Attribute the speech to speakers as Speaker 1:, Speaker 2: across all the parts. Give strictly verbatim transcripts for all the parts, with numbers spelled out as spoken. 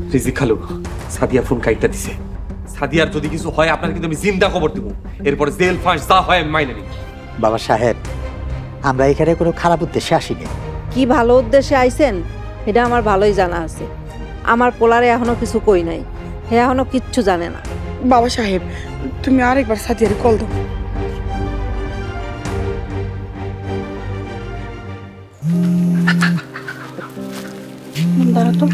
Speaker 1: রিজিক খালু, সাদিয়া ফোন কাইটটা দিছে। সাদিয়ার যদি কিছু হয় আপনার কিন্তু আমি জিন্দা খবর দেবো। এরপরে জেল ফাঁস যা হয় আমি মাইনে নিই।
Speaker 2: বাবা সাহেব, আমরা এখানে কোনো খারাপ উদ্দেশ্যে আসিনি।
Speaker 3: কি ভালো উদ্দেশ্যে আইছেন এটা আমার ভালোই জানা আছে। আমার পোলারে এখনো কিছু কই নাই, হে এখনো কিচ্ছু জানে না।
Speaker 4: বাবা সাহেব, তুমি আরেকবার সাদিয়ারে কল দাও। দাঁড়া তো।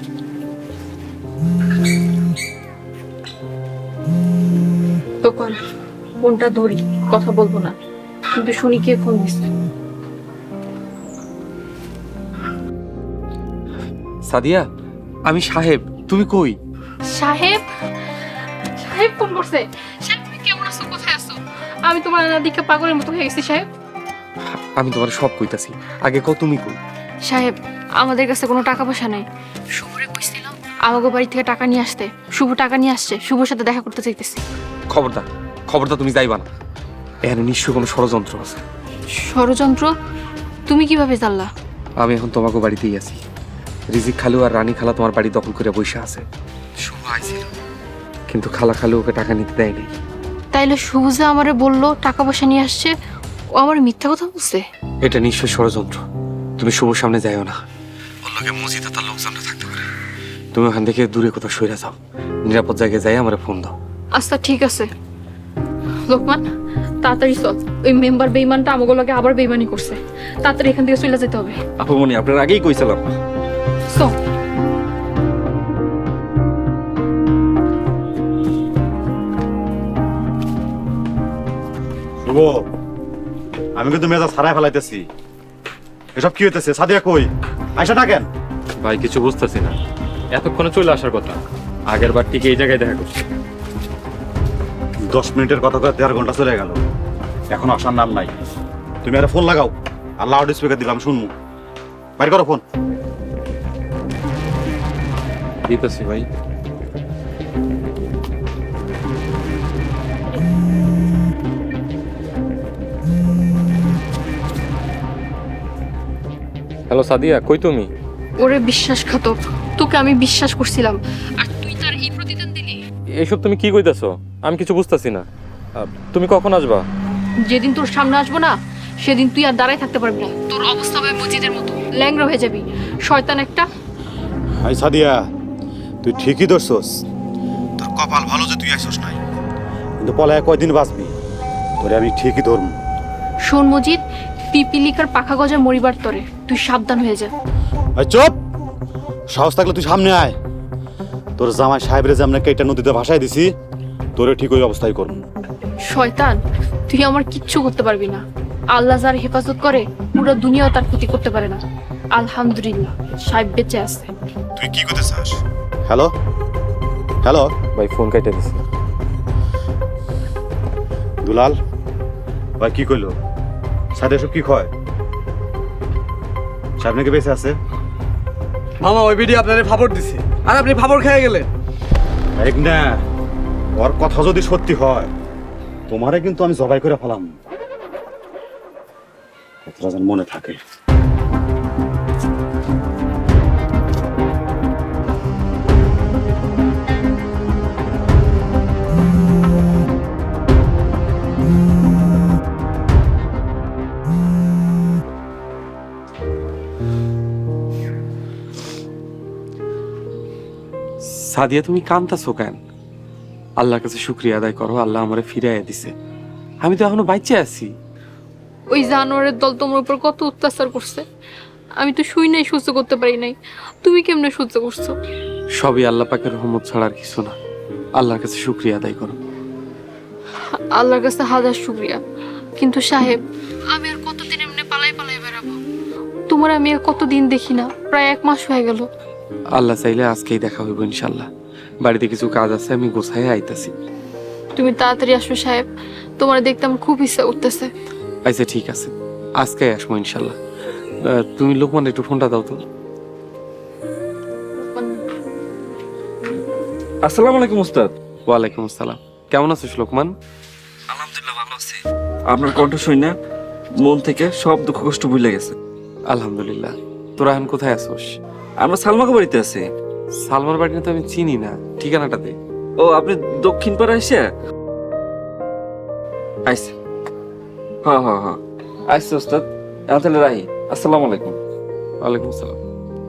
Speaker 5: তখন ফোনটা ধরি, কথা বলবো না, কিন্তু শুনি কে ফোন দিচ্ছে।
Speaker 1: সাদিয়া, আমি সাহেব, তুমি কই?
Speaker 5: সাহেব সাহেব ফোন করছে। সাহেব তুমি কেমন আছো, কোথায় আছো? আমি তোমার দিকে পাগলের মতো হয়ে গেছি সাহেব।
Speaker 1: আমি তোমার সব কইতাছি, আগে কও তুমি কই?
Speaker 5: সাহেব, আমাদের কাছে কোনো টাকা পয়সা নাই। শুভরে কইছিলাম আমাগো বাড়ি থেকে টাকা নিয়ে আসতে। শুভ টাকা নিয়ে আসছে, শুভর সাথে দেখা করতে চাইতেছি।
Speaker 1: খবরদার, খবরদার তুমি যাইবা না। এখানে নিশ্চয় কোনো ষড়যন্ত্র আছে।
Speaker 5: ষড়যন্ত্র? তুমি কিভাবে জানলা?
Speaker 1: আমি এখন তোমাকে বাড়িতেই আছি। রিজিক খালু আর রানী খালা তোমার বাড়ি দখল করে বসে আছে। শুভ আইছিল, কিন্তু খালা খালু ওকে টাকা নিতে দেয় নাই।
Speaker 5: তাইলে শুভ যে আমারে বললো টাকা পয়সা নিয়ে আসছে, ও আমার মিথ্যা কথা বলছে?
Speaker 1: এটা নিশ্চয় ষড়যন্ত্র। তুমি শুভর সামনে যাইও না, ওর লগে মসজিদে তার লোকজনটা থাকতে পারে। তুমি ওখান থেকে দূরে কোথাও সরে যাও, নিরাপদ জায়গায় যাই আমার ফোন দাও।
Speaker 5: আচ্ছা ঠিক আছে। লোকমান, তাড়াতাড়ি চল, ওই মেম্বার বেইমানটা আমাগো লগে আবার বেইমানি করছে। তাড়াতাড়ি এখান থেকে চলে যেতে হবে।
Speaker 6: আপুমনি, আপনার আগেই কইছিলাম।
Speaker 5: চল।
Speaker 7: শুভ, আমি কিন্তু মেজাজ হারাই ফেলাইতেছি। এসব কি হইতেছে? সাদিয়া কই? আয়সা ডাকেন।
Speaker 6: ভাই কিছু বুঝতেছি না, এতক্ষণে চলে আসার কথা। আগের বার ঠিক এই জায়গায় দেখা করছি।
Speaker 7: দশ মিনিটের কথা করে দেড় ঘন্টা চলে গেল, এখন আসার নাম নাই। তুমি একটা ফোন লাগাও, আর লাউড স্পিকার দিলাম শুনবো। বাইর করো ফোন।
Speaker 6: দিতেছি ভাই। হ্যালো সাদিয়া, কই তুমি?
Speaker 5: ওরে বিশ্বাসঘাতক, তোকে আমি বিশ্বাস করছিলাম, আর তুই তার এই প্রতিদান দিলি।
Speaker 6: এইসব তুমি কি কইতাছো? আমি কিছু বুঝতাছি না। আহ, তুমি কখন আসবা?
Speaker 5: যেদিন তোর সামনে আসবো না, সেদিন তুই আর দাঁড়ায় থাকতে পারবি না। তোর অবস্থা হবে মসজিদের মতো, ল্যাংড়া হয়ে যাবি। শয়তান একটা।
Speaker 7: হাই সাদিয়া, তুই ঠিকই ধরছস। তোর কপাল ভালো যে তুই আইসস নাই, কিন্তু পলায় কয়দিন বাঁচবি, তোরে আমি ঠিকই ধরবো।
Speaker 5: শোন মজিদ, পিপিলিকার পাখা গজা মরিবার তরে, তুই সাবধান হয়ে যা।
Speaker 7: এই চুপ! সাহস থাকলে তুই সামনে আয়। তোর জামাই সাহেবরে যে আমরা কেটা নদীতে ভাসাই দিছি, তোরে ঠিক ওই অবস্থায় করবো।
Speaker 5: শয়তান, তুই আমার কিচ্ছু করতে পারবি না। আল্লাহ যার হেফাজত করে, পুরো দুনিয়াও তার ক্ষতি করতে পারে না। আলহামদুলিল্লাহ, সাহেব বেঁচে আছে।
Speaker 7: তুই কি করতে চাস? হ্যালো হ্যালো
Speaker 6: ভাই ফোন কাইটা দিছি।
Speaker 7: দুলাল ভাই, কি কইলো? সাথে এসব কি কয়? সাহেব নাকি বেঁচে আছে?
Speaker 8: মামা ওই ভিডিও আপনারে ফাবর দিছে, আর আপনি ফাবর খেয়ে গেলেন।
Speaker 7: এক না, ওর কথা যদি সত্যি হয়, তোমারে কিন্তু আমি জবাই করে ফেলাম। কথাটা যেন মনে থাকে।
Speaker 1: সাদিয়া, তুমি কাঁদতাছো কেন? আল্লাহর কাছে শুকরিয়া আদায় করো, আল্লাহ আমারে ফিরাইয়া দিছে। আমি তো এখনো বাইচে আছি।
Speaker 5: ওই জানোয়ারের দল তোমার উপর কত অত্যাচার করছে, আমি তো শুই নাই, সহ্য করতে পারি নাই। তুমি কেমনে সহ্য করছো?
Speaker 1: সবই আল্লাহ পাকের রহমত ছাড়া আর কিছু না। আল্লাহর কাছে শুকরিয়া আদায় করো।
Speaker 5: আল্লাহর কাছে হাজার শুকরিয়া। কিন্তু সাহেব, আমি আর কতদিন এমনি পালাই পালাই বেড়াবো? তোমার আমি আর কতদিন দেখি না, প্রায় এক মাস হয়ে গেল।
Speaker 1: আল্লাহ চাইলে আজকেই দেখা হইব ইনশাল্লাহ। বাড়িতে কিছু কাজ আছে, আমি গোছায় আইতাছি।
Speaker 5: তুমি তাড়াতাড়ি আসো সাহেব, তোমার দেখতে আমার খুব ইচ্ছা উঠতেছে।
Speaker 1: আচ্ছা ঠিক আছে, আজকে আসবো ইনশাল্লাহ। আহ, তুমি লোকমান একটু ফোনটা দাও তো।
Speaker 6: আসসালামু আলাইকুম উস্তাদ।
Speaker 1: ওয়ালাইকুম আসসালাম। কেমন আছিস লোকমান?
Speaker 6: আলহামদুলিল্লাহ ভালো আছি। আপনার কণ্ঠ শুই না, মন থেকে সব দুঃখ কষ্ট ভুলে গেছে।
Speaker 1: আলহামদুলিল্লাহ। তোরা এখন কোথায় আছোস?
Speaker 6: আমরা সালমাকে বাড়িতে আছি।
Speaker 1: সালমার বাড়িটা তো আমি চিনি না, ঠিকানাটা দে।
Speaker 9: ও আপনি দক্ষিণ পাড়া এসে আইসে? হ্যাঁ হ্যাঁ হ্যাঁ আইসে ওস্তাদ। এখন তাহলে রাহি, আসসালামু আলাইকুম।
Speaker 1: ওয়ালাইকুম আসসালাম।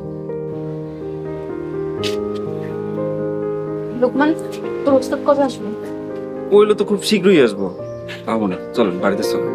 Speaker 5: লোকমান, তোর ওস্তাদ কবে আসবে?
Speaker 9: ওইলো তো খুব শীঘ্রই আসবো। পাবো না, চলেন বাড়িতে চলেন।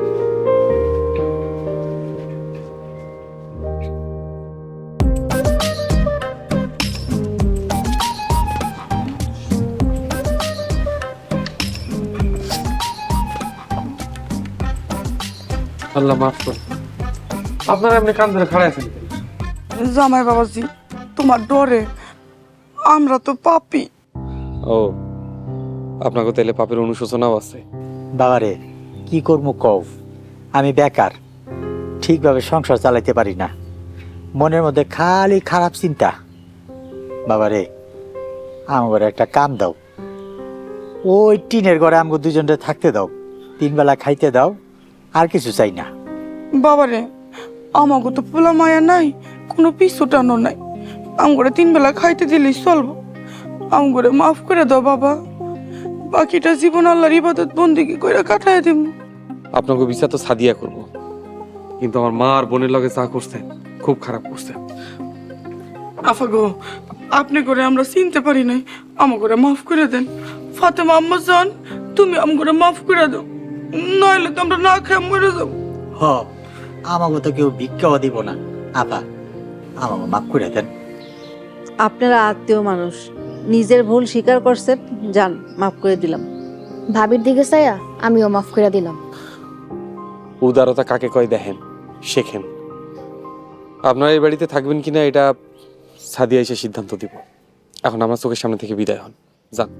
Speaker 1: আল্লাহ মাফ কর, আপনারা এমনি কান ধরে খাড়াই আছেন কেন?
Speaker 4: জামাই বাবাজি, তোমার ডরে আমরা তো পাপি।
Speaker 1: ও, আপনাকে তাইলে পাপের অনুশোচনাও আছে?
Speaker 2: বাবারে কি করবো কও, আমি বেকার, ঠিকভাবে সংসার চালাইতে পারি না, মনের মধ্যে খালি খারাপ চিন্তা। বাবারে আমার একটা কাম দাও, ওই টিনের ঘরে আমাকে দুজনরে থাকতে দাও, তিন বেলা খাইতে দাও, আর কিছু চাই না।
Speaker 4: বাবারে আমাকে তো পোলা মায়া নাই, কোনো পিছু টানো নাই, আমগরে তিন বেলা খাইতে দিলেই চলবো। আমগরে মাফ করে দাও বাবা, বাকিটা জীবন আল্লাহর ইবাদত বন্দিগি কইরা কাটায় দিব।
Speaker 1: আপনাকে বিচার তো সাদিয়া করব, কিন্তু আমার মা আর বোনের লগে যা করছে খুব খারাপ করছে।
Speaker 4: আফা গো, আপনি করে আমরা চিনতে পারি নাই, আমাগরে মাফ করে দেন। ফাতেমা আম্মা জান, তুমি আমগরে মাফ করে দাও, নইলে তো আমরা না খেয়ে মরে যাবো।
Speaker 2: হ, আমাকে তো কেউ ভিক্ষাও দিব না, আপা আমাকে মাফ করে দেন।
Speaker 3: আপনারা আত্মীয় মানুষ, নিজের ভুল স্বীকার করছেন, যান মাফ করে দিলাম।
Speaker 5: ভাবির দিকে চাইয়া আমিও মাফ করে দিলাম।
Speaker 1: উদারতা কাকে কয় দেখেন, শেখেন। আপনারা এই বাড়িতে থাকবেন কিনা এটা সাদিয়া এসে সিদ্ধান্ত দিব। এখন আমার চোখের সামনে থেকে বিদায় হন, যান।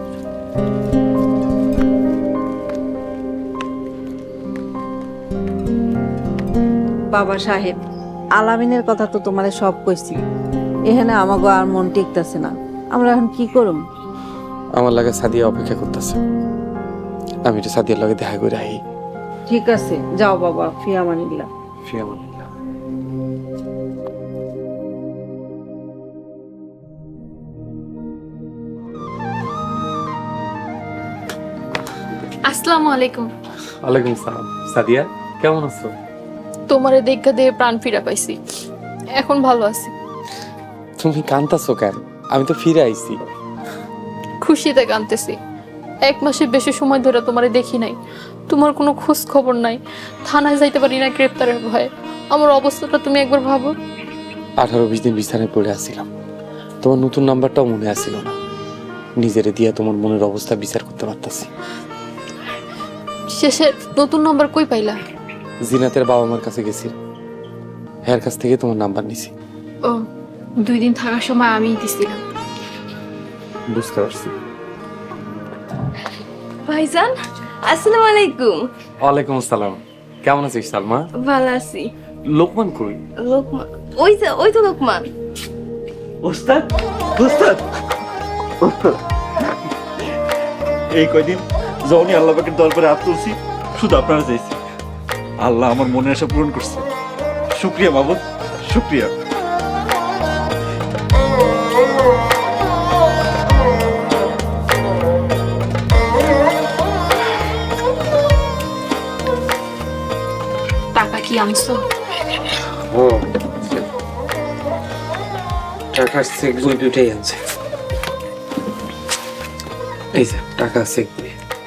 Speaker 3: বাবা সাহেব, আলামিনের কথা তো তোমারে সব কইছি, এখানে আমাগো আর মন টিকতেছে না, আমরা এখন কি করুম?
Speaker 1: আমার লাগে সাদিয়া অপেক্ষা করতেছে, আমি একটু সাদিয়ার লগে দেখা করে আই।
Speaker 3: ঠিক আছে, যাও বাবা, ফিয়ামানিল্লাহ।
Speaker 1: ফিয়ামানিল্লাহ।
Speaker 5: আসসালামু আলাইকুম।
Speaker 1: ওয়ালাইকুম সালাম। সাদিয়া কেমন আছো?
Speaker 5: তোমারে দেখা দিয়ে প্রাণ ফিরা পাইছি, এখন ভালো আছি।
Speaker 1: তুমি কান্তাছো কেন? আমি তো ফিরে আইছি।
Speaker 5: খুশিতে কাঁদতেছি। এক মাসের বেশি সময় ধরে তোমারে দেখি নাই, তোমার কোনো খোঁজ খবর নাই, থানায় যাইতে পারি না গ্রেপ্তারের ভয়ে। আমার অবস্থাটা তুমি একবার ভাবো।
Speaker 1: আঠারো বিশ দিন বিছানায় পড়ে আসছিলাম, তোমার নতুন নাম্বারটাও মনে আসছিল না। নিজেরে দিয়া তোমার মনের অবস্থা বিচার করতে পারতাছি।
Speaker 5: শেষে নতুন নাম্বার কই পাইলা?
Speaker 1: জিনাতের বাবা মার কাছে গেছি, এর কাছ থেকে তোমার নাম্বার নিছি।
Speaker 5: ও, দুই দিন থাকার সময় আমিই দিছিলাম।
Speaker 1: বুঝতে পারছি।
Speaker 10: ভাইজান, আসসালামু আলাইকুম।
Speaker 1: ওয়ালাইকুম আসসালাম। কেমন আছিস সালমা?
Speaker 10: ভালো আছি।
Speaker 1: লোকমান কই?
Speaker 10: লোকমান, ওই যে ওই তো লোকমান।
Speaker 7: ওস্তাদ ওস্তাদ ওস্তাদ, এই কয়দিন যখনই আল্লাহ পাকের দরবারে হাত তুলছি, শুধু আপনারা চাইছি, আল্লাহ আমার মনের আশা পূরণ করছে। শুক্রিয়া মাবুদ, শুক্রিয়া।
Speaker 5: টাকা কি আনছো?
Speaker 1: ও, টাকার চেক বই দুটাই আনছে। এই যে টাকা চেক বই।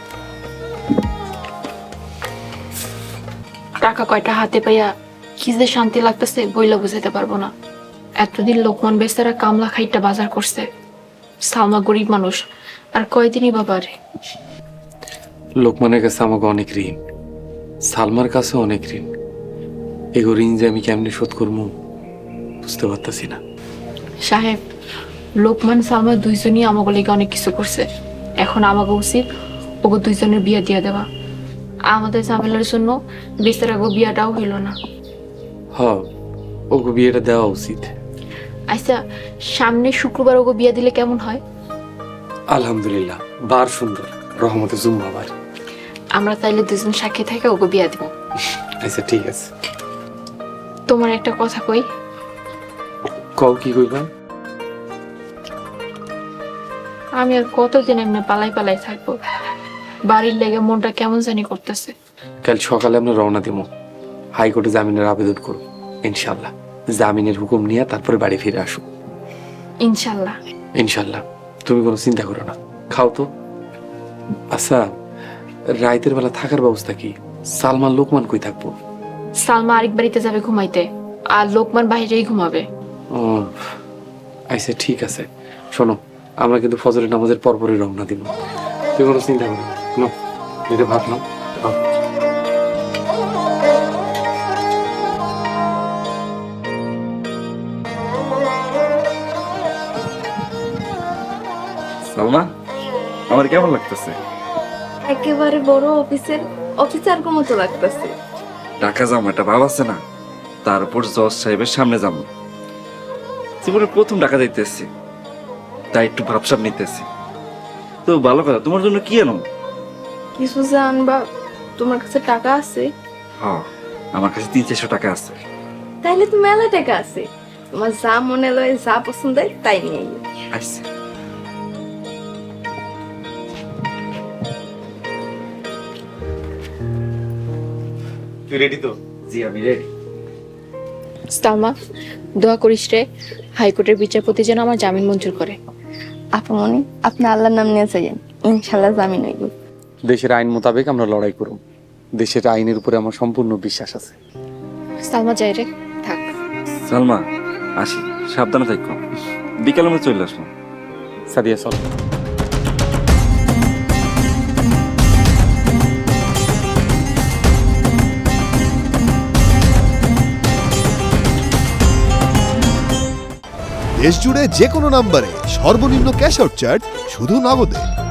Speaker 5: টাকা কয়টা হাতে পাইয়া কি যে শান্তি লাগতেছে বইলা বুঝাইতে পারবো না। এতদিন লোকমান বেচারা কামলা খাইটা বাজার করছে, সালমা গরিব মানুষ, আর কয়দিনই বাবারে।
Speaker 1: লোকমানের কাছে আমাকে অনেক ঋণ, সালমার কাছে অনেক ঋণ। এগো ঋণ যে আমি কেমনি শোধ করবো বুঝতে পারতাছি না।
Speaker 5: সাহেব, লোকমান সালমা দুইজনই আমাকে লেগে অনেক কিছু করছে, এখন আমাকে উচিত ওগো দুইজনের বিয়া দিয়ে দেওয়া। আমাদের ঝামেলার জন্য বেচারা গো বিয়াটাও হইল না।
Speaker 1: হ, ওকে বিয়েটা দেওয়া উচিত।
Speaker 5: আচ্ছা, সামনে শুক্রবার ওগো বিয়া দিলে কেমন হয়?
Speaker 1: আলহামদুলিল্লাহ, বার সুন্দর, রহমতে জুম্মাবার।
Speaker 5: আমরা তাইলে দুজন সাক্ষী থেকে ওগো বিয়া দিব।
Speaker 1: আচ্ছা ঠিক আছে।
Speaker 5: তোমার একটা কথা কই।
Speaker 1: কও, কি কইবা?
Speaker 5: আমি আর কতদিন এমনি পালাই পালাই থাকবো? বাড়ির লেগে মনটা কেমন জানি করতেছে।
Speaker 1: কাল সকালে আমরা রওনা দিব, হাইকোর্টে জামিনের আবেদন করব। ইনশাল্লাহ জামিনের হুকুম নিয়ে তারপরে বাড়ি ফিরে আসো।
Speaker 5: ইনশাল্লাহ।
Speaker 1: ইনশাল্লাহ, তুমি কোনো চিন্তা করো না। খাও তো। আচ্ছা, রাইতের বেলা থাকার ব্যবস্থা কি? সালমান লোকমান কই থাকবো?
Speaker 5: সালমা আরেক বাড়িতে যাবে ঘুমাইতে, আর লোকমান বাইরেই ঘুমাবে।
Speaker 1: ও আচ্ছা, ঠিক আছে। শোনো, আমরা কিন্তু ফজরের নামাজের পরপরই রওনা দিব। তুই কোনো চিন্তা করো না। এটা ভাবলাম
Speaker 9: সালমা, আমার কেমন লাগতেছে?
Speaker 10: একেবারে বড় অফিসের অফিসার মতো লাগতেছে।
Speaker 9: ঢাকা যাবো, একটা ভাব আছে না? তারপর জজ সাহেবের সামনে যাবো। জীবনে প্রথম ঢাকা যাইতেছি, তাই একটু ভাবসাব নিতেছি। তো ভালো কথা, তোমার জন্য কি আনো?
Speaker 10: কিছু যে আনবা, তোমার কাছে টাকা আছে?
Speaker 9: হ্যাঁ, আমার কাছে তিন চারশো টাকা আছে।
Speaker 10: তাইলে তো মেলা টাকা আছে, তোমার যা মনে লয়, যা পছন্দ হয় তাই নিয়ে আইও।
Speaker 9: আচ্ছা।
Speaker 7: তুই রেডি তো?
Speaker 9: জি, আমি রেডি।
Speaker 5: সালমা, দোয়া করিস রে, হাইকোর্টের বিচারপতি যেন আমার জামিন মঞ্জুর করে।
Speaker 10: আপনি আপনি আল্লাহর নাম নিয়ে যাইয়েন, ইনশাল্লাহ জামিন হইব।
Speaker 1: দেশের আইন মোতাবেক আমরা লড়াই করব। দেশের আইনের উপরে আমার সম্পূর্ণ বিশ্বাস আছে।
Speaker 5: সালমা যাই রে, থাক।
Speaker 9: সালমা, আসি, সাবধানে থাকো। বিকালে আমি চলে আসবো।
Speaker 1: সাদিয়া চল।
Speaker 11: দেশ জুড়ে যে কোনো নম্বরে সর্বনিম্ন ক্যাশ আউট চার্জ শুধু নগদে।